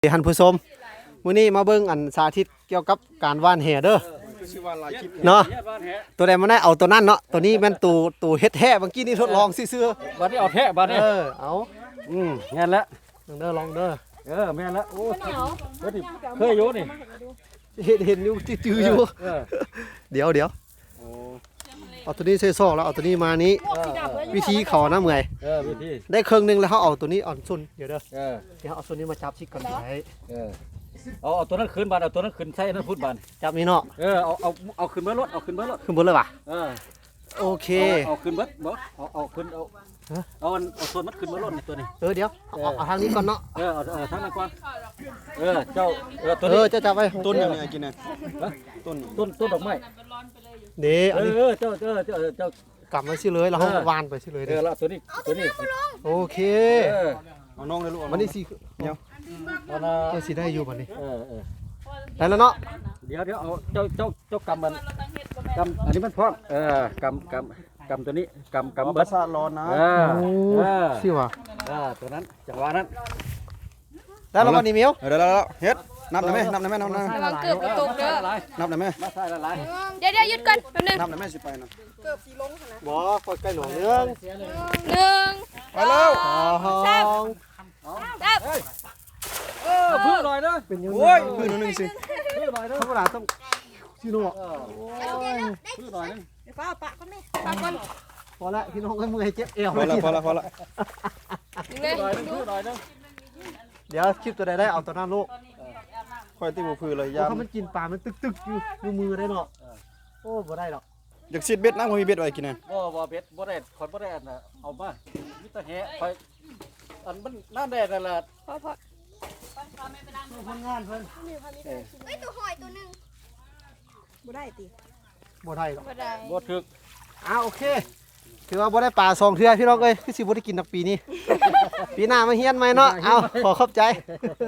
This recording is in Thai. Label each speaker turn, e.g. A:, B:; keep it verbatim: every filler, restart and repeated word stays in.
A: ท่านผู้ชมมื้อนี้มาเบิ่งอันสาธิตเกี่ยวกับการว่านแหเด้อเนาะตัวใดมันได้เอาตัวนั้นเนาะตัวนี้แม่นตูตูเฮ็ดแท้เมื่อกี้นี่ทดลองซื่อๆ
B: บัดนี้เอาแท้บัดนี้
A: เออเอาอืม
B: แม่นแล้ว
A: ลองเด้อลองเด้อ
B: เออแม่นแล้วโอ้เฮ้ยเคยอยู่นี่
A: เห็นเห็นอยู่จื้อๆอยู่
B: เออ
A: เดี๋ยวเดี๋ยว
B: โอ้
A: เอาตัวนี้ใส่ซอกแล้วเอาตัวนี้มานี้วิธีเขานะเมื่อย
B: เออวิธี
A: ได้ครึ่งหนึงแล้วเขาเอาตัวนี้อ่อนซุนเดี๋ยวเด้อ
B: เออ
A: เดี๋ยวเอาตัวนี้มาจับชิกก่อนไว้
B: เออเอาเอาตัวนั้นขึ้นบาดเอาตัวนั้นขึ้นใส่นั่นพูดบาด
A: จับนี่เนาะ
B: เออเอาเอาเอาขึ้นเบิดรถเอาขึ้นเบิดรถ
A: ขึ้นบนเลยว่ะ
B: เออ
A: โอเค
B: เอาขึ้นเบิดบ่เอาเอาขึ้นเอาเอาอันเอาส่วนมัดขึ้นเบิดรถนี่ตัวนี้
A: เออเดี๋ยวเอาเอาเอาทางนี้ก่อนเนาะ
B: เออเอาเอาทางนั้นก่อนเออเจ้าเออตัว
A: เอ
B: นี้
A: อจะจับไว้
C: ต้นอย่างนี้กินนะ
B: ต้นต้นต้นดอกไม้
A: เดี๋ยว
B: เอ
A: อันนี้
B: อเจ้าเจ้าเจ้าเจ้าก
A: ลับมาสิเลยแล้วเขาวานไปสิเลย
B: เอ
A: เด้
B: อ
A: อ
B: แล้วตัวนี้ตัวนี้
A: โอเค
B: เออ
C: เอาน้องเลยลูก
A: มันนี่สิ
B: เอานะ
A: เจ้าสิได้อยู่บัดนี้
B: เออเออ
A: ได้แล้วเนาะ
B: เดี๋ยวเดี๋ยวเอาเจ้าเจ้าเจ้ากำมันกำอันนี้มันพร้อมเออกำกำกำตัวนี้กำ
C: กำ
B: กำ
C: บั
B: เบิ
C: ส
B: ด
C: ซาร้อนนะ
B: เออ
A: โอ้
B: เออ
A: สิว่ะ
B: เออตัวนั้นจังหวะนั้น
A: ได้แล้วบัดนี้เมียว
C: เดี๋ยวเดี๋ยวเฮ็ดนับได้ไหมนับได้ไหมนับได้ไหม
D: ระวังเกือบกระตุกเด้อ
C: นับได้ไหม
B: มาใส่ละลาย
D: เดี๋ยวเดี๋ยวหยุดก่อนแป๊บนึง
C: นับได้ไหมสิไปนะ
A: บ่คอยใกล้หนองเรื่อง
D: หนึ่ง
C: ไปแล้ว
A: สอง
D: สาม
B: เออเพื่อหน่อยเด้อ
A: เป็นยัง
C: โอ้ยพื้นหนึ่งสิ
B: เพื่อหน่อยเด้อ
A: ธรรมดาต้องพี่น้อง
B: เออเพื่อหน่อยนึง
D: ปากก่อน
A: พอละพี่น้องก็มือเจ็บเอว
C: พอละพอละพอละ
D: หนึ่ง
B: เพื่อหน่อยนึงเพื่อหน่อยนึง
A: เดี๋ยวคลิปตัวใดได้เอาตัวนั้นลูก
C: ค่อยตีบุพื้นเลย
A: เพ
C: ยาม
A: ราะมันกินปลามันตึกๆอยู่อยู่มือได้เนาะโอ้บ่ได้หรอก
C: อยากซีดเบ็ดนะผมมีเบ็ดไว้กินนะ
B: บ่บ่เบ็ดบ่ได้คนบ่ได้อันน่ะเอามามีแต่แหไปอันมันน้ำแดดนั่นแหละ
D: พอพอ
B: คนงานเพิ่น
E: เฮ้ยตัวหอยตัวหนึ่งบ่ได้ติ
A: บ่ได้หรอก
D: บ่ได้
B: บ่ถึก
A: อ้าโอเคถือว่าบ่ได้ปลาสองเทื่อพี่น้องเอ้ยคือสิบ่ได้กินนักปีนี้ ปีหน้ามาเฮียนใหม่เนาะเอาขอขอบใจ